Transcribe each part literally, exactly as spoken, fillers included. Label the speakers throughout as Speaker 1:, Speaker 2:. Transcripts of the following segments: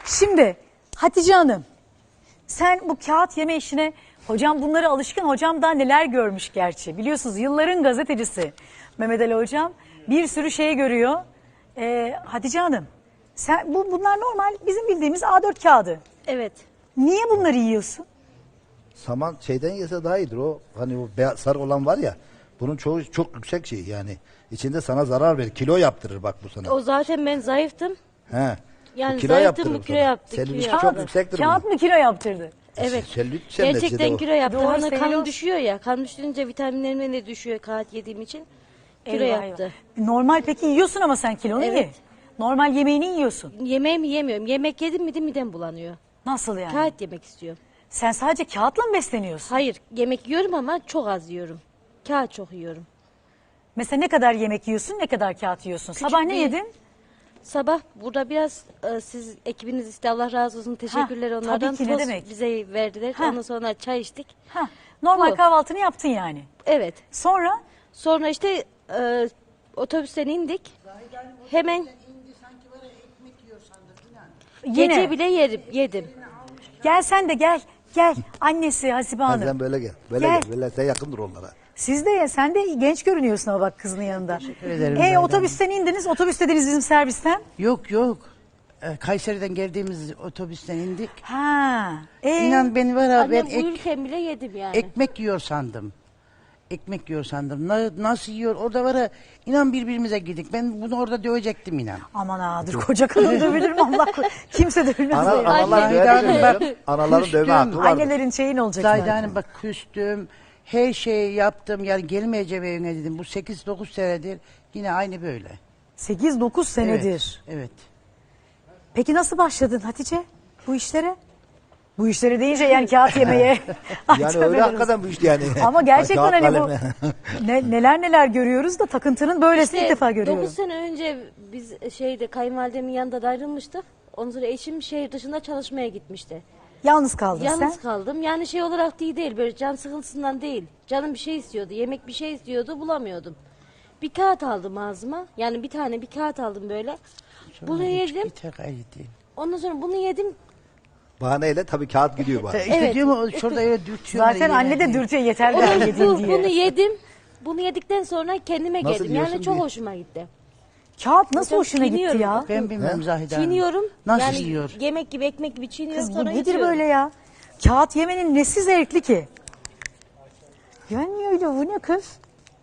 Speaker 1: Şimdi Hatice Hanım, sen bu kağıt yeme işine, hocam bunları alışkın, hocam daha neler görmüş gerçi. Biliyorsunuz yılların gazetecisi Mehmet Ali hocam bir sürü şey görüyor. Ee, Hatice Hanım, sen, bu bunlar normal bizim bildiğimiz A dört kağıdı.
Speaker 2: Evet.
Speaker 1: Niye bunları yiyorsun?
Speaker 3: Saman şeyden yese daha iyidir o. Hani o beyaz, sarı olan var ya. Bunun çoğu çok yüksek şey yani. İçinde sana zarar verir. Kilo yaptırır bak bu sana.
Speaker 2: O zaten ben zayıftım.
Speaker 3: He.
Speaker 2: Yani
Speaker 3: Bu kilo
Speaker 2: zayıftım,
Speaker 3: yaptırır
Speaker 2: bu kilo
Speaker 3: sana.
Speaker 2: yaptı,
Speaker 3: Selülit
Speaker 2: kilo
Speaker 3: çok
Speaker 2: yaptı.
Speaker 3: yüksektir
Speaker 1: Kağıt
Speaker 3: bunun.
Speaker 1: mı kilo yaptırdı?
Speaker 2: Evet.
Speaker 3: Selülit sen
Speaker 2: Gerçekten
Speaker 3: neticede o.
Speaker 2: kilo yaptı.
Speaker 1: Doğru,
Speaker 2: Hani kan
Speaker 1: selüloz.
Speaker 2: düşüyor ya. Kan düşününce vitaminlerim de düşüyor kağıt yediğim için. Kilo
Speaker 1: Eyvah,
Speaker 2: yaptı.
Speaker 1: eyvah. Normal peki yiyorsun ama sen kilonu
Speaker 2: Evet.
Speaker 1: ye. Normal yemeğini yiyorsun.
Speaker 2: Yemeğimi yemiyorum. Yemek yedim mi de midem bulanıyor.
Speaker 1: Nasıl yani?
Speaker 2: Kağıt yemek istiyorum.
Speaker 1: Sen sadece kağıtla mı besleniyorsun?
Speaker 2: Hayır, yemek yiyorum ama çok az yiyorum. Kağıt çok yiyorum.
Speaker 1: Mesela ne kadar yemek yiyorsun, ne kadar kağıt yiyorsun?
Speaker 2: Küçük
Speaker 1: Sabah ne
Speaker 2: bir-
Speaker 1: yedin?
Speaker 2: Sabah burada biraz e, siz ekibiniz işte Allah razı olsun teşekkürler
Speaker 1: Ha,
Speaker 2: onlardan.
Speaker 1: tabii ki, ne
Speaker 2: Tost
Speaker 1: demek.
Speaker 2: bize verdiler.
Speaker 1: Ha.
Speaker 2: Ondan sonra çay içtik.
Speaker 1: Ha, normal
Speaker 2: Bu.
Speaker 1: kahvaltını yaptın yani.
Speaker 2: Evet.
Speaker 1: Sonra
Speaker 2: Sonra işte e, otobüsten indik. Hemen
Speaker 1: yine
Speaker 2: gece bile yerim, yedim.
Speaker 1: gel sen de gel. Gel annesi Hasibe
Speaker 3: Ha,
Speaker 1: Hanım.
Speaker 3: sen böyle gel. Böyle
Speaker 1: Gel.
Speaker 3: gel. Böyle sen yakındır onlara.
Speaker 1: Siz de ye, sen de genç görünüyorsun ama bak kızının yanında.
Speaker 4: ederim
Speaker 1: E
Speaker 4: Zahide
Speaker 1: otobüsten indiniz, otobüs dediniz bizim servisten.
Speaker 4: Yok yok. Ee, Kayseri'den geldiğimiz otobüsten indik.
Speaker 1: Ha. E,
Speaker 4: İnan beni var ha ben
Speaker 2: Annem
Speaker 4: ek,
Speaker 2: uyurken bile yedim yani.
Speaker 4: ekmek yiyor sandım. Ekmek yiyor sandım. Na- nasıl yiyor? Orada var ha inan birbirimize girdik. Ben bunu orada dövecektim inan.
Speaker 1: Aman ha dur koca kadın dövülür mü Allah korusun. Kimse dövülmez.
Speaker 3: Ana,
Speaker 1: ya.
Speaker 3: analar
Speaker 4: Anne,
Speaker 3: dövme
Speaker 4: Zahide Hanım,
Speaker 3: canım.
Speaker 4: bak,
Speaker 3: Anaların dövme
Speaker 4: küstüm.
Speaker 3: hakkı vardır.
Speaker 1: Annelerin şeyi ne olacak?
Speaker 4: Zahide
Speaker 1: zaten?
Speaker 4: Hanım bak küstüm. Her şeyi yaptım. Yani gelmeyeceğim evine dedim. Bu sekiz dokuz senedir yine aynı böyle.
Speaker 1: sekiz dokuz senedir.
Speaker 4: Evet. evet.
Speaker 1: Peki nasıl başladın Hatice bu işlere? Bu işlere deyince yani kağıt yemeye. Ay,
Speaker 3: Yani
Speaker 1: tövbe
Speaker 3: öyle
Speaker 1: ederim.
Speaker 3: hakikaten bu işte yani.
Speaker 1: Ama gerçekten
Speaker 3: Kağıt
Speaker 1: hani bu
Speaker 3: kalemi.
Speaker 1: ne, neler neler görüyoruz da takıntının böylesini
Speaker 2: İşte
Speaker 1: ilk defa görüyorum.
Speaker 2: dokuz sene önce biz şeyde kayınvalidemin yanında da ayrılmıştık. Ondan sonra eşim şehir dışında çalışmaya gitmişti.
Speaker 1: Yalnız kaldın
Speaker 2: Yalnız
Speaker 1: sen.
Speaker 2: kaldım. Yani şey olarak değil değil böyle can sıkıntısından değil. Canım bir şey istiyordu. Yemek bir şey istiyordu bulamıyordum. Bir kağıt aldım ağzıma. Yani bir tane bir kağıt aldım böyle. Bunu
Speaker 4: Sonra hiç
Speaker 2: yedim.
Speaker 4: biter gayet değil.
Speaker 2: Ondan sonra bunu yedim.
Speaker 3: Bahaneyle tabii kağıt gidiyor bana.
Speaker 4: İşte
Speaker 2: Evet.
Speaker 4: diyorum ya, şurada öyle dürtüyor.
Speaker 1: Zaten anne de dürtüyor yeter ben
Speaker 2: Onu,
Speaker 1: yedim
Speaker 2: bu,
Speaker 1: diye.
Speaker 2: bunu yedim. Bunu yedikten sonra kendime
Speaker 3: Nasıl
Speaker 2: geldim.
Speaker 3: yiyorsun
Speaker 2: Yani çok
Speaker 3: diye.
Speaker 2: hoşuma gitti.
Speaker 1: Kağıt nasıl
Speaker 2: Hocam,
Speaker 1: hoşuna gitti
Speaker 2: çiğniyorum.
Speaker 1: ya?
Speaker 4: Ben bilmem Zahide Hanım.
Speaker 2: Çiğniyorum.
Speaker 4: Nasıl
Speaker 2: yani
Speaker 4: yiyor?
Speaker 2: Yemek gibi ekmek gibi çiğniyorum
Speaker 1: Kız bu
Speaker 2: sonra
Speaker 1: nedir
Speaker 2: yutuyorum.
Speaker 1: böyle ya? Kağıt yemenin nesi zevkli ki? Yani öyle bu ne kız?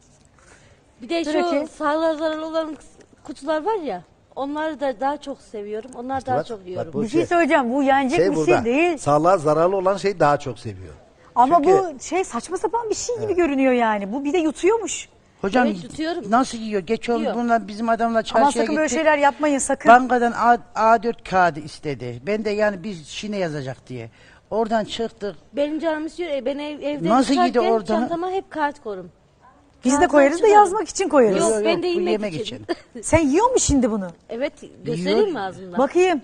Speaker 2: Bir de
Speaker 1: Dur
Speaker 2: şu
Speaker 1: bakayım.
Speaker 2: sağlığa zararlı olan kutular var ya. Onları da daha çok seviyorum. Onlar daha
Speaker 3: bak,
Speaker 2: çok
Speaker 3: bak
Speaker 2: yiyorum.
Speaker 3: bu-
Speaker 1: Bir şey
Speaker 3: şey-
Speaker 1: söyleyeceğim bu yenecek
Speaker 3: Şey
Speaker 1: bir
Speaker 3: burada.
Speaker 1: şey değil.
Speaker 3: Sağlığa zararlı olan şeyi daha çok seviyor.
Speaker 1: Ama
Speaker 3: Çünkü-
Speaker 1: bu şey saçma sapan bir şey gibi görünüyor yani. Bu bir de yutuyormuş.
Speaker 4: Hocam
Speaker 2: Evet, tutuyorum.
Speaker 4: nasıl yiyor? Geç oldu
Speaker 2: Yiyor.
Speaker 4: bunlar bizim adamla
Speaker 1: Ama
Speaker 4: çarşıya
Speaker 1: sakın böyle
Speaker 4: gittik.
Speaker 1: şeyler yapmayın sakın.
Speaker 4: Bankadan A, A4 kağıdı istedi. Ben de yani bir şine yazacak diye. Oradan çıktık.
Speaker 2: Benim canım istiyor. E, ben ev, evde
Speaker 4: Nasıl yedi
Speaker 2: çıkarken
Speaker 4: oradan?
Speaker 2: çantama hep kart korum.
Speaker 1: Biz de
Speaker 2: Kağıttan
Speaker 1: koyarız da
Speaker 2: çıkarım.
Speaker 1: yazmak için koyarız.
Speaker 2: Yok,
Speaker 4: Yok,
Speaker 2: ben
Speaker 4: yok,
Speaker 2: de
Speaker 4: bu
Speaker 2: yemek,
Speaker 4: yemek
Speaker 2: için.
Speaker 4: için.
Speaker 1: Sen yiyor musun şimdi bunu?
Speaker 2: Evet göstereyim mi ağzımdan?
Speaker 1: Bakayım.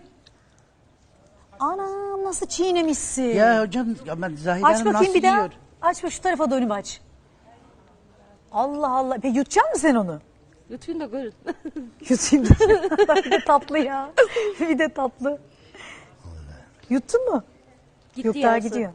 Speaker 1: Anam nasıl çiğnemişsin.
Speaker 4: Ya hocam ama Zahide
Speaker 1: aç
Speaker 4: Hanım
Speaker 1: bakayım
Speaker 4: nasıl
Speaker 1: bir daha.
Speaker 4: yiyor?
Speaker 1: Aç bak şu tarafa dönüp aç. Allah Allah. Peki yutacak mısın sen onu?
Speaker 2: Lütfen de görün.
Speaker 1: Yutayım. Bir de tatlı ya. Bir de tatlı. Yuttun mu?
Speaker 2: Gitti
Speaker 1: Yok daha
Speaker 2: yarısı.
Speaker 1: gidiyor.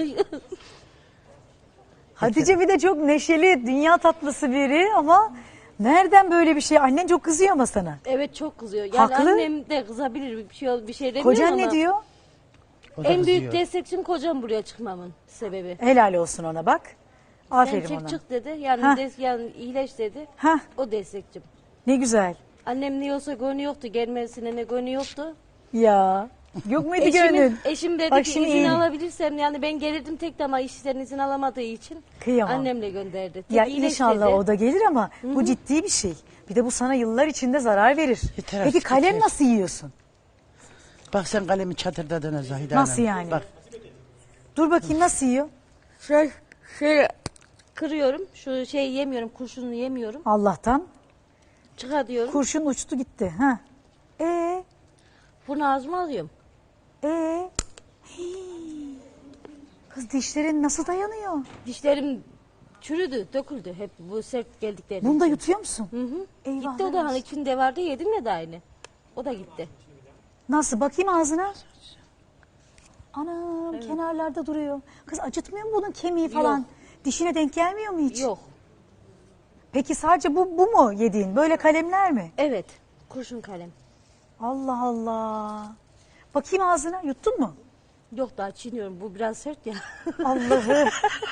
Speaker 1: Hatice bir de çok neşeli, dünya tatlısı biri ama nereden böyle bir şey? Annen çok kızıyor ama sana.
Speaker 2: Evet çok kızıyor. Yani
Speaker 1: Haklı.
Speaker 2: annem de kızabilir bir şey bir şey demiyor
Speaker 1: Kocan
Speaker 2: ama.
Speaker 1: ne diyor?
Speaker 4: O da
Speaker 2: En büyük
Speaker 4: kızıyor.
Speaker 2: destekçim kocam buraya çıkmamın sebebi.
Speaker 1: Helal olsun ona bak.
Speaker 2: Sen
Speaker 1: Aferin
Speaker 2: çek
Speaker 1: ona.
Speaker 2: çık dedi. Yani,
Speaker 1: Hah.
Speaker 2: des, yani iyileş dedi.
Speaker 1: Hah.
Speaker 2: O destekçim.
Speaker 1: Ne güzel.
Speaker 2: Annem ne olsa gönlü yoktu. Gelmesine ne gönlü yoktu.
Speaker 1: Ya. Yok muydu
Speaker 2: Eşimin,
Speaker 1: gönlün?
Speaker 2: eşim dedi
Speaker 1: Bak
Speaker 2: ki
Speaker 1: şimdi
Speaker 2: izin
Speaker 1: iyi.
Speaker 2: alabilirsem yani ben gelirdim tek de ama işten izin alamadığı için
Speaker 1: Kıyamam.
Speaker 2: annemle gönderdi. Tek
Speaker 1: Ya
Speaker 2: iyileş
Speaker 1: inşallah
Speaker 2: dedi.
Speaker 1: o da gelir ama bu ciddi bir şey. Bir de bu sana yıllar içinde zarar verir.
Speaker 4: Yeter
Speaker 1: Peki
Speaker 4: artık,
Speaker 1: kalem
Speaker 4: yeter.
Speaker 1: nasıl yiyorsun?
Speaker 4: Bak sen kalemi çatırdadın Zahide
Speaker 1: Nasıl
Speaker 4: Hanım.
Speaker 1: yani?
Speaker 4: Bak
Speaker 1: Dur bakayım nasıl yiyor?
Speaker 2: Şey, şöyle kırıyorum. Şu şey yemiyorum. Kurşunu yemiyorum.
Speaker 1: Allah'tan
Speaker 2: Çıkar diyorum.
Speaker 1: kurşun uçtu gitti. Ha. Ee,
Speaker 2: Bunu ağzıma alıyorum.
Speaker 1: ee. Hii. Kız dişlerin nasıl dayanıyor?
Speaker 2: Dişlerim çürüdü, döküldü hep bu sert geldikleri
Speaker 1: Bunu da
Speaker 2: için.
Speaker 1: yutuyor musun?
Speaker 2: Hı hı.
Speaker 1: Eyvah
Speaker 2: Gitti o da hani
Speaker 1: olsun.
Speaker 2: içinde vardı yedim ya da aynı. O da gitti.
Speaker 1: Nasıl? Bakayım ağzına. Anam kenarlarda duruyor. Kız acıtmıyor mu bunun kemiği falan? Dişine denk gelmiyor mu hiç?
Speaker 2: Yok.
Speaker 1: Peki sadece bu, bu mu yediğin? Böyle kalemler mi?
Speaker 2: Evet. Kurşun kalem.
Speaker 1: Allah Allah. Bakayım ağzına, yuttun mu?
Speaker 2: Yok, daha çiğniyorum. Bu biraz sert ya.
Speaker 1: Allah'ım.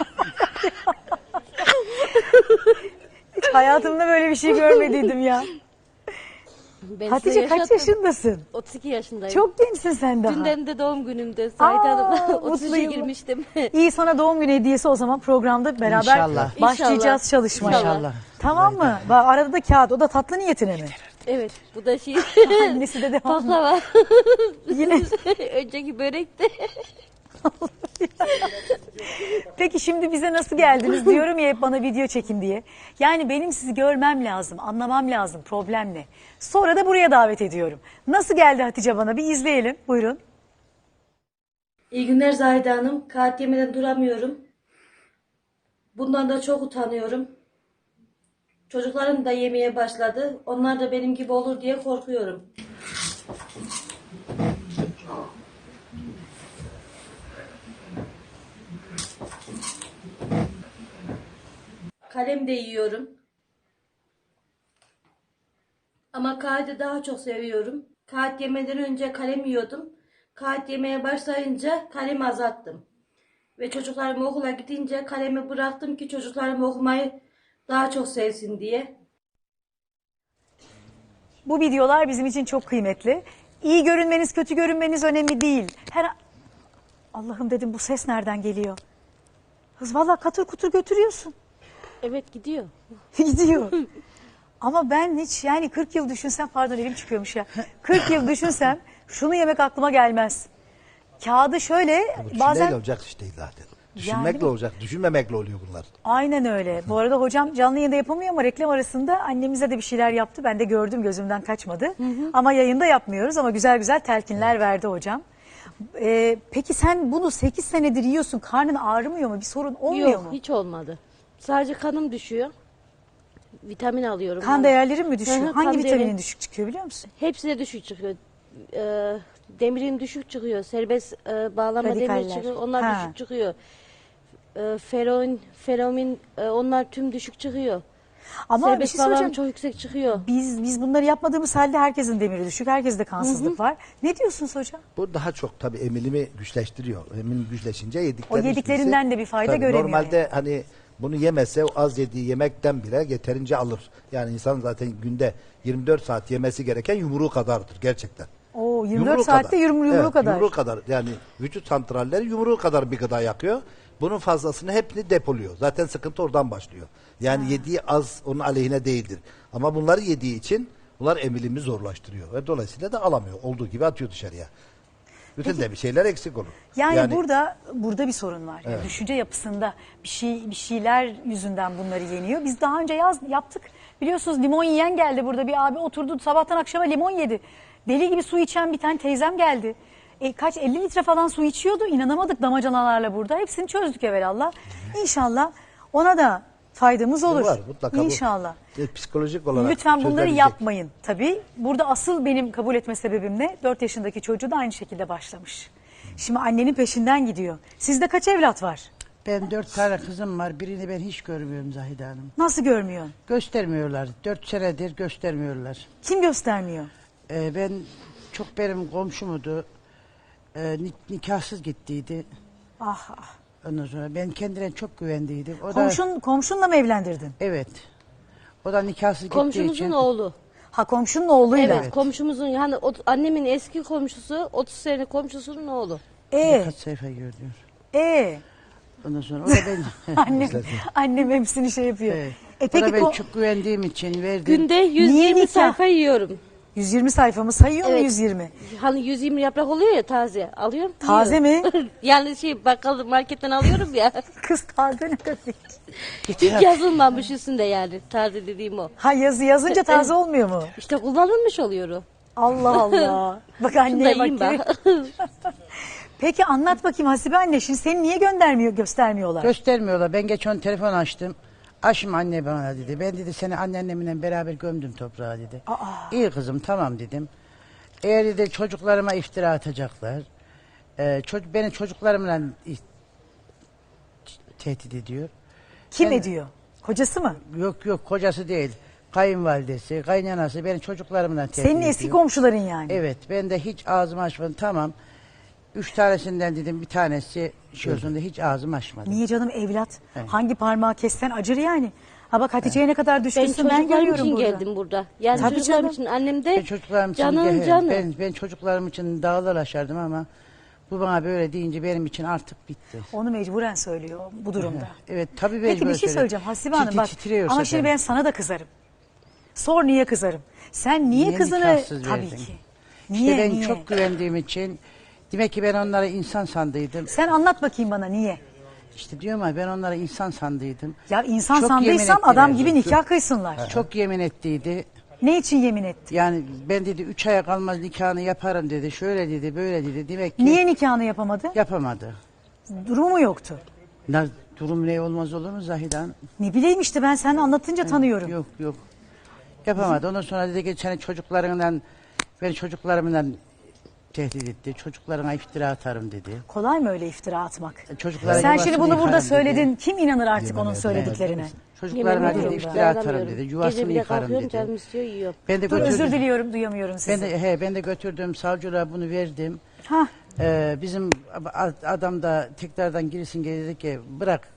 Speaker 1: Hiç hayatımda böyle bir şey görmediydim ya.
Speaker 2: Ben
Speaker 1: Hatice
Speaker 2: size
Speaker 1: kaç
Speaker 2: yaşattım.
Speaker 1: yaşındasın?
Speaker 2: otuz iki yaşındayım.
Speaker 1: Çok gençsin sen daha.
Speaker 2: Dünden de doğum günümde.
Speaker 1: Aa,
Speaker 2: Zahide Hanım'la
Speaker 1: mutlu
Speaker 2: otuz üçe
Speaker 1: yıllar.
Speaker 2: girmiştim.
Speaker 1: İyi, sana doğum günü hediyesi o zaman programda beraber
Speaker 4: İnşallah.
Speaker 1: başlayacağız
Speaker 2: İnşallah.
Speaker 1: çalışmaya.
Speaker 4: İnşallah.
Speaker 1: Tamam mı? Bak, arada da kağıt, o da tatlı niyetine mi?
Speaker 2: Evet. Bu da şey.
Speaker 1: Annesi de devam.
Speaker 2: Baklava.
Speaker 1: Yine.
Speaker 2: Önceki börek de.
Speaker 1: Peki şimdi bize nasıl geldiniz? Diyorum ya hep bana video çekin diye. Yani benim sizi görmem lazım, anlamam lazım, problem ne? Sonra da buraya davet ediyorum. Nasıl geldi Hatice bana? Bir izleyelim. Buyurun.
Speaker 2: İyi günler Zahide Hanım. Kağıt yemeden duramıyorum. Bundan da çok utanıyorum. Çocuklarım da yemeye başladı. Onlar da benim gibi olur diye korkuyorum. Kalem de yiyorum. Ama kağıdı daha çok seviyorum. Kağıt yemeden önce kalem yiyordum. Kağıt yemeye başlayınca kalemi azalttım. Ve çocuklarım okula gidince kalemi bıraktım ki çocuklarım okumayı daha çok sevsin diye.
Speaker 1: Bu videolar bizim için çok kıymetli. İyi görünmeniz, kötü görünmeniz önemli değil. Her Allah'ım dedim, bu ses nereden geliyor? Kız vallahi katır kutur götürüyorsun.
Speaker 2: Evet, gidiyor.
Speaker 1: Gidiyor. Ama ben hiç yani kırk yıl düşünsem, pardon elim çıkıyormuş ya. kırk yıl düşünsem şunu yemek aklıma gelmez. Kağıdı şöyle
Speaker 3: Bu
Speaker 1: bazen...
Speaker 3: düşünmeyle olacak iş değil zaten. Düşünmekle
Speaker 1: Yani-
Speaker 3: olacak, düşünmemekle oluyor bunlar.
Speaker 1: Aynen öyle. Bu arada hocam canlı yayında yapamıyor ama reklam arasında annemize de bir şeyler yaptı. Ben de gördüm, gözümden kaçmadı. Ama yayında yapmıyoruz, ama güzel güzel telkinler verdi hocam. Ee, peki sen bunu sekiz senedir yiyorsun. Karnın ağrımıyor mu? Bir sorun olmuyor
Speaker 2: Yok,
Speaker 1: mu?
Speaker 2: hiç olmadı. Sadece kanım düşüyor. Vitamin alıyorum.
Speaker 1: Kan değerlerin mi düşüyor?
Speaker 2: Hı hı,
Speaker 1: Hangi
Speaker 2: kan
Speaker 1: vitaminin
Speaker 2: değeri-
Speaker 1: düşük çıkıyor biliyor musun?
Speaker 2: Hepsi de düşük çıkıyor. Ee, demirin düşük çıkıyor. Serbest e, bağlama
Speaker 1: Radikaller.
Speaker 2: demir çıkıyor. Onlar
Speaker 1: Ha.
Speaker 2: düşük çıkıyor. Ee, feroin, feromin e, onlar tüm düşük çıkıyor.
Speaker 1: Ama bir
Speaker 2: Serbest
Speaker 1: şey
Speaker 2: bağlam
Speaker 1: söyleyeceğim.
Speaker 2: çok yüksek çıkıyor.
Speaker 1: Biz biz bunları yapmadığımız halde herkesin demiri düşük, herkeste kansızlık var. Ne diyorsunuz hocam?
Speaker 3: Bu daha çok tabii emilimi güçleştiriyor. Emilim güçleşince yedikleri
Speaker 1: O yediklerinden
Speaker 3: hiçbirisi-
Speaker 1: de bir fayda
Speaker 3: tabii
Speaker 1: göremiyor
Speaker 3: Normalde hani bunu yemese o az yediği yemekten bile yeterince alır. Yani insan zaten günde yirmi dört saat yemesi gereken yumruğu kadardır gerçekten.
Speaker 1: Oo, yirmi dört
Speaker 3: Yumruğu
Speaker 1: saatte
Speaker 3: kadar.
Speaker 1: yumru, yumruğu
Speaker 3: Evet,
Speaker 1: kadar.
Speaker 3: Yumruğu kadar. Yani vücut santralleri yumruğu kadar bir gıda yakıyor. Bunun fazlasını hepsini depoluyor. Zaten sıkıntı oradan başlıyor. Yani yediği az onun aleyhine değildir. Ama bunları yediği için bunlar emilimi zorlaştırıyor. Ve dolayısıyla da alamıyor. Olduğu gibi atıyor dışarıya. Bütün de bir şeyler eksik olur.
Speaker 1: Yani, burada burada bir sorun var. Yani düşünce yapısında bir şey bir şeyler yüzünden bunları yeniyor. Biz daha önce yaz yaptık. Biliyorsunuz limon yiyen geldi burada, bir abi oturdu sabahtan akşama limon yedi. Deli gibi su içen bir tane teyzem geldi. E, kaç elli litre falan su içiyordu. İnanamadık damacanalarla burada. Hepsini çözdük evvelallah. İnşallah ona da faydamız olur.
Speaker 3: Var mutlaka. bu-
Speaker 1: İnşallah.
Speaker 3: e, Psikolojik olarak
Speaker 1: Lütfen bunları
Speaker 3: çözülebilecek.
Speaker 1: yapmayın tabii. Burada asıl benim kabul etme sebebim ne? dört yaşındaki çocuğu da aynı şekilde başlamış. Şimdi annenin peşinden gidiyor. Sizde kaç evlat var?
Speaker 4: Ben dört tane kızım var. Birini ben hiç görmüyorum Zahide Hanım.
Speaker 1: Nasıl görmüyorsun?
Speaker 4: Göstermiyorlar. Dört senedir göstermiyorlar.
Speaker 1: Kim göstermiyor?
Speaker 4: Ee, ben çok benim komşumudu. Ee, ni- nikahsız gittiydi.
Speaker 1: Ah ah.
Speaker 4: Ondan sonra ben kendine çok güvendiydim. O da
Speaker 1: Komşun, komşunla mı evlendirdin?
Speaker 4: evet. O da nikahsız gittiği
Speaker 2: Komşumuzun
Speaker 4: için
Speaker 2: oğlu.
Speaker 1: Ha, komşunun oğluyla.
Speaker 2: Evet, komşumuzun yani o, annemin eski komşusu, otuz sene komşusunun oğlu.
Speaker 1: E,
Speaker 4: birkaç sayfa görüyor.
Speaker 1: e.
Speaker 4: Ondan sonra o da ben
Speaker 1: Annem, annem hepsini şey yapıyor.
Speaker 4: evet.
Speaker 1: E
Speaker 4: O
Speaker 1: peki
Speaker 4: da ben
Speaker 1: ko-
Speaker 4: çok güvendiğim için verdim.
Speaker 2: Günde yüz
Speaker 1: Niye
Speaker 2: yirmi
Speaker 1: nikah?
Speaker 2: sayfa yiyorum.
Speaker 1: yüz yirmi sayfamı sayıyor mu
Speaker 2: Evet.
Speaker 1: yüz yirmi?
Speaker 2: Hani yüz yirmi yaprak oluyor ya taze. Alıyorum.
Speaker 1: Taze
Speaker 2: yiyorum.
Speaker 1: mi?
Speaker 2: Yani şey bakkal marketten alıyorum ya.
Speaker 1: Kız taze ne demek?
Speaker 2: Hiç yazılmamış üstünde yani. Taze dediğim o.
Speaker 1: Ha, yazı yazınca taze olmuyor mu?
Speaker 2: İşte kullanılmış oluyor o.
Speaker 1: Allah Allah. Bak
Speaker 2: Şunu da
Speaker 1: anneye
Speaker 2: yiyeyim
Speaker 1: bak.
Speaker 2: ben.
Speaker 1: Peki anlat bakayım Hasibe anne, şimdi seni niye göndermiyor, göstermiyorlar?
Speaker 4: Göstermiyorlar. Ben geçen telefon açtım. Açma anne bana dedi. Ben dedi seni anneannemle beraber gömdüm toprağa dedi. İyi kızım tamam dedim. Eğer dedi çocuklarıma iftira atacaklar. Ee, çocuk, beni çocuklarımla i- tehdit ediyor.
Speaker 1: Kim
Speaker 4: Ben-
Speaker 1: ediyor? Kocası mı?
Speaker 4: Yok yok kocası değil. Kayınvalidesi, kaynanası beni çocuklarımla tehdit
Speaker 1: Senin
Speaker 4: ediyor.
Speaker 1: eski komşuların yani.
Speaker 4: Evet, ben de hiç ağzımı açmadım. Tamam. Üç tanesinden dedim bir tanesi şey olsun da hiç ağzımı açmadım.
Speaker 1: Niye canım evlat?
Speaker 4: Evet.
Speaker 1: Hangi parmağı kessen acır yani. Ha bak Hatice'ye ne kadar
Speaker 2: Ben
Speaker 1: düşkünsün ben,
Speaker 2: çocuklarım
Speaker 1: görüyorum
Speaker 2: için
Speaker 1: burada.
Speaker 2: geldim burada. Yani
Speaker 1: Tabii
Speaker 2: çocuklarım
Speaker 1: canım.
Speaker 2: için annem
Speaker 4: Ben
Speaker 2: de
Speaker 4: çocuklarım için
Speaker 2: canın
Speaker 4: de-
Speaker 2: canı.
Speaker 4: ben, ben çocuklarım için dağlar aşardım ama bu bana böyle deyince benim için artık bitti.
Speaker 1: Onu mecburen söylüyor bu durumda.
Speaker 4: Evet tabii
Speaker 1: Peki
Speaker 4: mecbur
Speaker 1: bir şey
Speaker 4: söyle.
Speaker 1: söyleyeceğim Hasibe Hanım
Speaker 4: Tit-
Speaker 1: bak.
Speaker 4: titriyor
Speaker 1: Ama
Speaker 4: zaten.
Speaker 1: şimdi ben sana da kızarım. Sor niye kızarım? Sen niye,
Speaker 4: Niye
Speaker 1: kızını
Speaker 4: nikahsız
Speaker 1: tabii
Speaker 4: verdin?
Speaker 1: ki.
Speaker 4: İşte
Speaker 1: Niye
Speaker 4: ben
Speaker 1: niye?
Speaker 4: çok güvendiğim için demek ki ben onlara insan sandıydım.
Speaker 1: Sen anlat bakayım bana niye?
Speaker 4: İşte diyorum ya ben onlara insan sandıydım.
Speaker 1: Ya insan
Speaker 4: Çok
Speaker 1: sandıysam
Speaker 4: yemin
Speaker 1: adam
Speaker 4: ettiler.
Speaker 1: gibi nikah kıysınlar.
Speaker 4: Çok yemin ettiydi.
Speaker 1: Ne için yemin etti?
Speaker 4: Yani ben dedi üç aya kalmaz nikahını yaparım dedi. Şöyle dedi böyle dedi. Demek ki
Speaker 1: Niye nikahını yapamadı?
Speaker 4: yapamadı.
Speaker 1: Durumu mu yoktu?
Speaker 4: Ne, durum ne olmaz olur mu Zahidan?
Speaker 1: Ne bileyim işte ben sen anlatınca tanıyorum.
Speaker 4: Yok yok. Yapamadı. Ondan sonra dedi ki senin çocuklarından beni çocuklarımdan tehdit etti. Çocuklarına iftira atarım dedi.
Speaker 1: Kolay mı öyle iftira atmak?
Speaker 4: Çocuklara
Speaker 1: Sen
Speaker 4: yuvasını
Speaker 1: şimdi bunu burada
Speaker 4: yıkarım dedi.
Speaker 1: söyledin. Kim inanır artık
Speaker 3: Yemin
Speaker 1: onun
Speaker 3: ederim.
Speaker 1: söylediklerine?
Speaker 4: Çocuklarına
Speaker 2: Yemin
Speaker 4: dedi
Speaker 2: ediyorum,
Speaker 4: iftira atarım
Speaker 2: dayanamıyorum.
Speaker 4: dedi.
Speaker 2: Gece
Speaker 4: Yuvasını
Speaker 2: bile
Speaker 4: yıkarım
Speaker 2: kalkıyorum, canım
Speaker 4: dedi.
Speaker 2: istiyor yiyorum.
Speaker 4: Ben de
Speaker 1: Dur
Speaker 4: götürdüm.
Speaker 1: özür diliyorum duyamıyorum sizi.
Speaker 4: Ben de he ben de götürdüm savcılığa bunu verdim.
Speaker 1: Ha,
Speaker 4: Ee, bizim a- adam da tekrardan girsin geri dedi ki bırak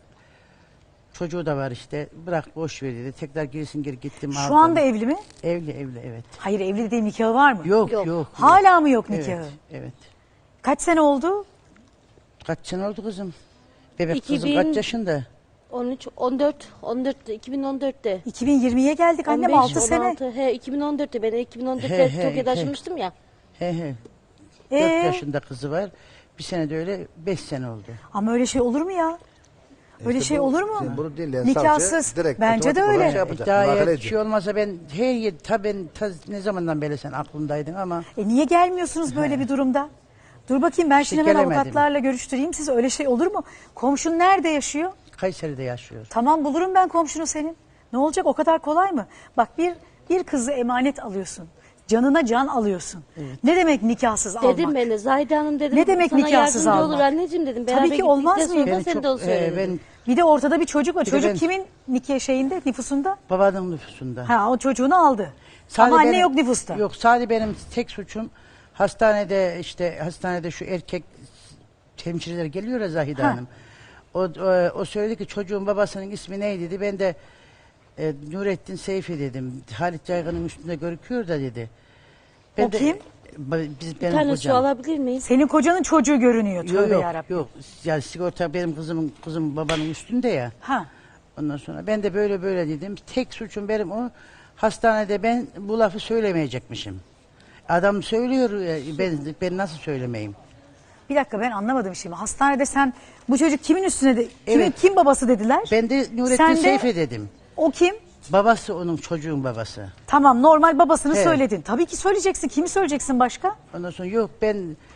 Speaker 4: çocuğu da var işte bırak boş ver dedi. Tekrar girsin geri gittim aldım.
Speaker 1: şu anda evli mi?
Speaker 4: evli evli evet.
Speaker 1: Hayır evli değil nikahı var mı?
Speaker 4: Yok yok.
Speaker 2: Yok.
Speaker 4: yok.
Speaker 1: Hala mı yok nikahı?
Speaker 4: Evet, evet.
Speaker 1: Kaç sene oldu?
Speaker 4: Kaç sene oldu kızım? Bebek
Speaker 2: iki
Speaker 4: kızım
Speaker 2: bin
Speaker 4: kaç yaşında?
Speaker 2: on üç, on dört, on dört, iki bin on dörtte.
Speaker 1: iki bin yirmiye geldik annem
Speaker 2: on beş,
Speaker 1: altı sene.
Speaker 2: on altı, He iki bin on dörtte ben iki bin on dörtte
Speaker 4: He, he,
Speaker 2: Tokyo'da
Speaker 4: he.
Speaker 2: taşınmıştım ya.
Speaker 4: He he.
Speaker 1: Ee?
Speaker 4: dört yaşında kızı var. Bir sene de öyle beş sene oldu.
Speaker 1: Ama öyle şey olur mu ya? Öyle
Speaker 3: İşte
Speaker 1: şey
Speaker 3: bu-
Speaker 1: olur mu?
Speaker 3: işte bunu dinleyen
Speaker 1: Nikahsız.
Speaker 3: savcı direkt
Speaker 1: Bence de
Speaker 3: otomatik olarak
Speaker 1: öyle.
Speaker 3: şey yapacak,
Speaker 4: Daha
Speaker 3: müdahale
Speaker 4: eğer
Speaker 3: ediyor.
Speaker 4: şey olmasa ben her yer tabii ben ta, ne zamandan beri sen aklımdaydın ama
Speaker 1: E niye gelmiyorsunuz böyle bir durumda? Dur bakayım ben
Speaker 4: İşte
Speaker 1: şimdi hemen
Speaker 4: gelemedim.
Speaker 1: avukatlarla görüştüreyim. Siz öyle şey olur mu? Komşun nerede yaşıyor?
Speaker 4: Kayseri'de yaşıyor.
Speaker 1: Tamam bulurum ben komşunu senin. Ne olacak o kadar kolay mı? Bak bir bir kızı emanet alıyorsun. Canına can alıyorsun. Ne demek nikahsız almak?
Speaker 2: Dedim ben de Zahide Hanım dedim.
Speaker 1: Ne demek
Speaker 2: sana
Speaker 1: nikahsız
Speaker 2: yardımcı
Speaker 1: almak?
Speaker 2: olur anneciğim dedim.
Speaker 1: Tabii
Speaker 2: Beraber
Speaker 1: ki olmaz
Speaker 2: gittikten
Speaker 1: mıyım?
Speaker 2: sonra
Speaker 4: Beni
Speaker 2: sen
Speaker 4: çok,
Speaker 2: de o
Speaker 4: e,
Speaker 2: söyledin.
Speaker 4: ben
Speaker 1: Bir de ortada bir çocuk var.
Speaker 4: de
Speaker 1: Çocuk
Speaker 4: ben-
Speaker 1: kimin nikah şeyinde, nüfusunda?
Speaker 4: babanın nüfusunda.
Speaker 1: Ha o çocuğunu aldı.
Speaker 4: Sadece
Speaker 1: Ama anne
Speaker 4: benim-
Speaker 1: yok nüfusta.
Speaker 4: Yok sadece benim tek suçum hastanede işte hastanede şu erkek hemşireler geliyor ya Zahide
Speaker 1: Ha.
Speaker 4: Hanım. O, o, o söyledi ki çocuğun babasının ismi neydi dedi. Ben de e, Nurettin Seyfi dedim. Halit Caygın'ın üstünde görüküyor da dedi.
Speaker 1: O kim?
Speaker 4: Ba- Biz,
Speaker 2: Bir
Speaker 4: benim
Speaker 2: tane su
Speaker 4: kocam.
Speaker 2: alabilir miyiz?
Speaker 1: Senin kocanın çocuğu görünüyor.
Speaker 4: Yok
Speaker 1: Tövbe
Speaker 4: yok,
Speaker 1: yarabbim.
Speaker 4: yok. Yani sigorta benim kızımın kızım babanın üstünde ya.
Speaker 1: Ha.
Speaker 4: Ondan sonra ben de böyle böyle dedim. Tek suçum benim o. Hastanede ben bu lafı söylemeyecekmişim. Adam söylüyor e, ben ben nasıl söylemeyeyim?
Speaker 1: Bir dakika ben anlamadım şimdi. Hastanede sen bu çocuk kimin üstüne de kimin
Speaker 4: Evet.
Speaker 1: kim babası dediler?
Speaker 4: Ben de Nurettin
Speaker 1: Sen de-
Speaker 4: Seyfi dedim.
Speaker 1: O kim?
Speaker 4: Babası onun çocuğun babası.
Speaker 1: Tamam normal babasını
Speaker 4: Evet.
Speaker 1: söyledin. Tabii ki söyleyeceksin. Kimi söyleyeceksin başka?
Speaker 4: Ondan sonra yok ben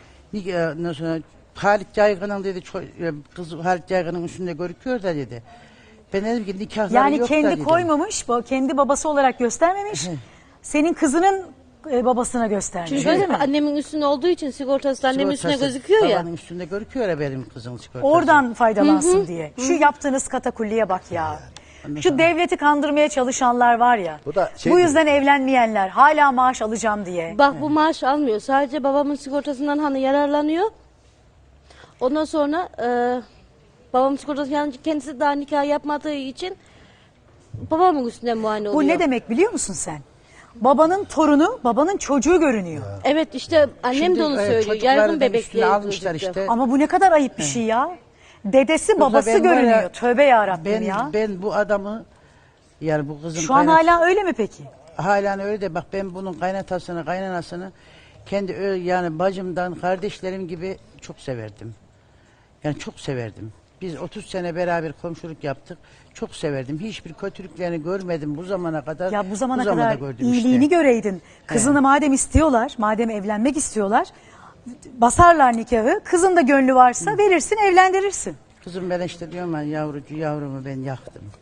Speaker 4: e, ondan sonra Halit Caygın'ın dedi ço- e, kız Halit Caygın'ın üstünde görüküyor da dedi. Ben dedim ki nikahları
Speaker 1: Yani
Speaker 4: yok da
Speaker 1: kendi
Speaker 4: dedim.
Speaker 1: koymamış, bu- kendi babası olarak göstermemiş. Senin kızının e, babasına göstermiş.
Speaker 2: Çünkü
Speaker 1: Öyle mi?
Speaker 2: annemin üstüne olduğu için sigortası da annemin üstüne
Speaker 4: Sigortası
Speaker 2: gözüküyor ya.
Speaker 4: Babanın üstünde görüküyor ya benim kızın sigortası.
Speaker 1: Oradan faydalansın diye. Şu yaptığınız katakulliye bak ya. Şu devleti kandırmaya çalışanlar var ya.
Speaker 3: Bu da şey
Speaker 1: bu
Speaker 3: gibi.
Speaker 1: yüzden evlenmeyenler hala maaş alacağım diye.
Speaker 2: Bak bu maaş almıyor. Sadece babamın sigortasından hani yararlanıyor. Ondan sonra e, babamın sigortası yani kendisi daha nikah yapmadığı için babamın üstünden muayene oluyor.
Speaker 1: Bu ne demek biliyor musun sen? Babanın torunu, babanın çocuğu görünüyor.
Speaker 2: Evet işte annem
Speaker 4: Şimdi,
Speaker 2: de onu
Speaker 4: evet,
Speaker 2: söylüyor.
Speaker 4: çocuklardan
Speaker 2: Yaygın bebekli
Speaker 4: üstüne almışlar
Speaker 2: gözüktü.
Speaker 4: işte.
Speaker 1: Ama bu ne kadar ayıp bir şey ya. Dedesi babası
Speaker 4: ben var ya,
Speaker 1: görünüyor. Tövbe yarabbim
Speaker 4: Ben
Speaker 1: ya.
Speaker 4: ben bu adamı yani bu kızım
Speaker 1: Şu an
Speaker 4: kaynat-
Speaker 1: hala öyle mi peki?
Speaker 4: halen öyle de bak ben bunun kaynatasını kaynanasını kendi ö- yani bacımdan kardeşlerim gibi çok severdim. Yani çok severdim. Biz otuz sene beraber komşuluk yaptık. Çok severdim. Hiçbir kötülüklerini görmedim bu zamana kadar.
Speaker 1: Ya bu zamana
Speaker 4: zamanda
Speaker 1: kadar
Speaker 4: gördüm
Speaker 1: iyiliğini
Speaker 4: işte.
Speaker 1: göreydin. Kızını madem istiyorlar, madem evlenmek istiyorlar, basarlar nikahı. Kızın da gönlü varsa verirsin, evlendirirsin.
Speaker 4: Kızım ben işte diyorum ben yavrucu yavrumu ben yaktım.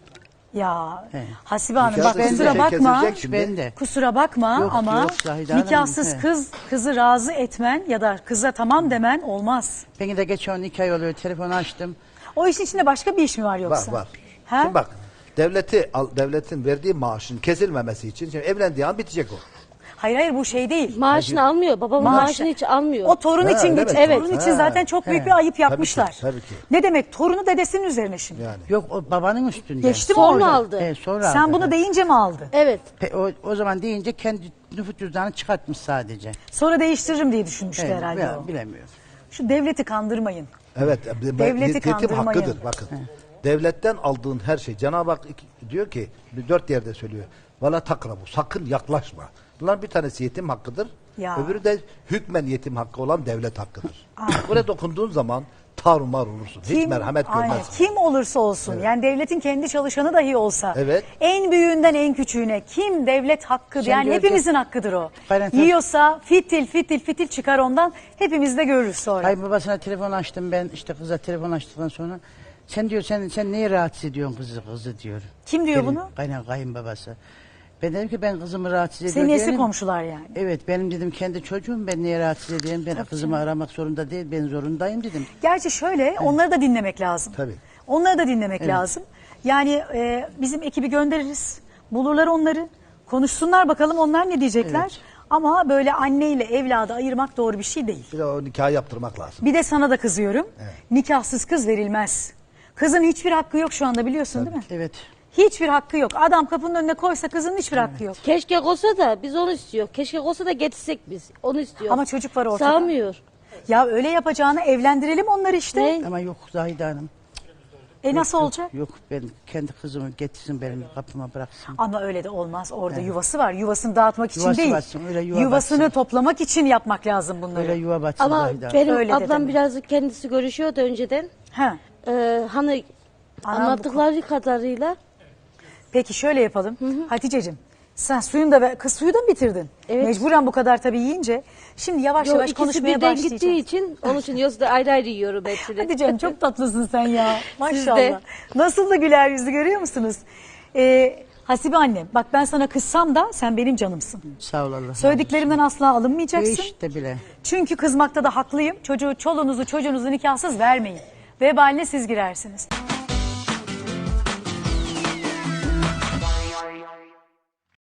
Speaker 1: Ya
Speaker 4: He.
Speaker 1: Hasibe Hanım
Speaker 3: Nikah
Speaker 1: bak
Speaker 3: da
Speaker 1: kusura
Speaker 3: şey
Speaker 1: bakma.
Speaker 3: kesilecek şimdi.
Speaker 4: Ben de.
Speaker 1: Kusura bakma
Speaker 4: Yok,
Speaker 1: ama
Speaker 4: yok Zahide Hanım,
Speaker 1: nikahsız
Speaker 4: he.
Speaker 1: kız kızı razı etmen ya da kıza tamam demen olmaz.
Speaker 4: Beni de geç on iki ay oluyor telefonu açtım.
Speaker 1: O işin içinde başka bir iş mi var
Speaker 3: Var
Speaker 1: yoksa?
Speaker 3: var.
Speaker 1: Ha?
Speaker 3: Şimdi bak devleti al- devletin verdiği maaşın kesilmemesi için şimdi evlendiği an bitecek o.
Speaker 1: Hayır hayır bu şey değil.
Speaker 2: Maaşını almıyor. Babamın
Speaker 1: Maaş-
Speaker 2: maaşını hiç almıyor.
Speaker 1: O torun
Speaker 3: Ha,
Speaker 1: için
Speaker 3: öyle
Speaker 1: geç.
Speaker 3: mi?
Speaker 1: Torun
Speaker 3: Evet.
Speaker 1: için
Speaker 3: Ha.
Speaker 1: zaten çok büyük
Speaker 3: He.
Speaker 1: bir ayıp
Speaker 3: Tabii ki,
Speaker 1: yapmışlar.
Speaker 3: tabii ki.
Speaker 1: Ne demek? Torunu dedesinin üzerine şimdi.
Speaker 3: Yani.
Speaker 4: Yok o babanın üstünde.
Speaker 1: Geçti mi
Speaker 2: Sonra
Speaker 1: orada?
Speaker 2: aldı.
Speaker 4: He, sonra
Speaker 1: Sen
Speaker 4: aldı.
Speaker 1: bunu deyince mi aldı?
Speaker 2: Evet.
Speaker 4: Pe- o, o zaman deyince kendi nüfus cüzdanı çıkartmış sadece.
Speaker 1: Sonra değiştiririm diye düşünmüştü
Speaker 4: He,
Speaker 1: herhalde
Speaker 4: ya,
Speaker 1: o.
Speaker 4: bilemiyorum.
Speaker 1: Şu devleti kandırmayın.
Speaker 3: Evet.
Speaker 1: Devleti
Speaker 3: yetim
Speaker 1: kandırmayın.
Speaker 3: hakkıdır bakın. Devletten aldığın her şey Cenab-ı Hak iki- diyor ki bir dört yerde söylüyor. Valla takrabu sakın yaklaşma. Bunlar bir tanesi yetim hakkıdır.
Speaker 1: Ya.
Speaker 3: Öbürü de hükmen yetim hakkı olan devlet hakkıdır. Buraya dokunduğun zaman tarumar olursun. Hiç merhamet
Speaker 1: aynen,
Speaker 3: görmezsin.
Speaker 1: kim olursa olsun yani devletin kendi çalışanı dahi olsa
Speaker 3: Evet.
Speaker 1: en büyüğünden en küçüğüne kim devlet hakkı
Speaker 4: Sen
Speaker 1: yani
Speaker 4: görecek-
Speaker 1: hepimizin hakkıdır o.
Speaker 4: Aynen, tabii.
Speaker 1: Yiyorsa fitil fitil fitil çıkar ondan hepimiz de görürüz sonra.
Speaker 4: Kayınbabasına telefon açtım ben işte kıza telefon açtıktan sonra. Sen diyor sen sen neyi rahatsız ediyorsun kızı kızı diyor.
Speaker 1: Kim diyor
Speaker 4: Benim
Speaker 1: bunu?
Speaker 4: Kayın, kayınbabası. Ben dedim ki ben kızımı rahatsız ediyorum.
Speaker 1: Senin eski
Speaker 4: diyelim.
Speaker 1: komşular yani.
Speaker 4: Evet benim dedim kendi çocuğum ben niye rahatsız edeyim ben kızımı aramak zorunda değil ben zorundayım dedim.
Speaker 1: Gerçi şöyle onları da dinlemek lazım.
Speaker 3: Tabii.
Speaker 1: Onları da dinlemek lazım. Yani e, bizim ekibi göndeririz. Bulurlar onları. Konuşsunlar bakalım onlar ne diyecekler.
Speaker 4: Evet.
Speaker 1: Ama böyle anneyle evladı ayırmak doğru bir şey değil.
Speaker 3: Bir de o nikahı yaptırmak lazım.
Speaker 1: Bir de sana da kızıyorum. Nikahsız kız verilmez. Kızın hiçbir hakkı yok şu anda biliyorsun değil mi?
Speaker 4: Evet.
Speaker 1: Hiçbir hakkı yok. Adam kapının önüne koysa kızın hiçbir hakkı yok.
Speaker 2: Keşke olsa da biz onu istiyor. Keşke olsa da getirsek biz. Onu istiyor.
Speaker 1: Ama çocuk var ortada.
Speaker 2: Sağmıyor.
Speaker 1: Ya öyle yapacağını evlendirelim onları işte.
Speaker 2: Ne?
Speaker 4: Ama yok Zahide Hanım.
Speaker 1: E nasıl olacak?
Speaker 4: Yok ben kendi kızımı getirsin benim kapıma bıraksın.
Speaker 1: Ama öyle de olmaz. Orada yuvası var. Yuvasını dağıtmak için
Speaker 4: Yuvası
Speaker 1: değil.
Speaker 4: batsın, öyle yuva
Speaker 1: Yuvasını
Speaker 4: batsın.
Speaker 1: toplamak için yapmak lazım bunları.
Speaker 4: Böyle yuva batsın
Speaker 2: Ama
Speaker 4: Zahide Hanım.
Speaker 2: benim
Speaker 1: Öyle de
Speaker 2: ablam
Speaker 1: deme.
Speaker 2: birazcık kendisi görüşüyordu önceden.
Speaker 1: Ha.
Speaker 2: Ee, hani
Speaker 1: Anam bu
Speaker 2: anlattıkları kadarıyla
Speaker 1: Peki şöyle yapalım. Hatice'cim sen suyunu da ver- kız suyu da mı bitirdin?
Speaker 2: Evet.
Speaker 1: Mecburen bu kadar tabii yiyince. Şimdi yavaş
Speaker 2: Yo,
Speaker 1: yavaş
Speaker 2: ikisi
Speaker 1: konuşmaya
Speaker 2: birden
Speaker 1: başlayacağız.
Speaker 2: gittiği için onun için yoksa da ayrı ayrı yiyorum hepsini.
Speaker 1: Hadi canım çok tatlısın sen ya.
Speaker 2: Siz de.
Speaker 1: Maşallah. Nasıl da güler yüzü görüyor musunuz? Ee, Hasibe annem bak ben sana kızsam da sen benim canımsın.
Speaker 4: Sağ ol Allah.
Speaker 1: Söylediklerimden asla alınmayacaksın.
Speaker 4: Hiç de bile.
Speaker 1: Çünkü kızmakta da haklıyım. Çocuğu, çoluğunuzu çocuğunuzu nikahsız vermeyin. Vebaline siz girersiniz.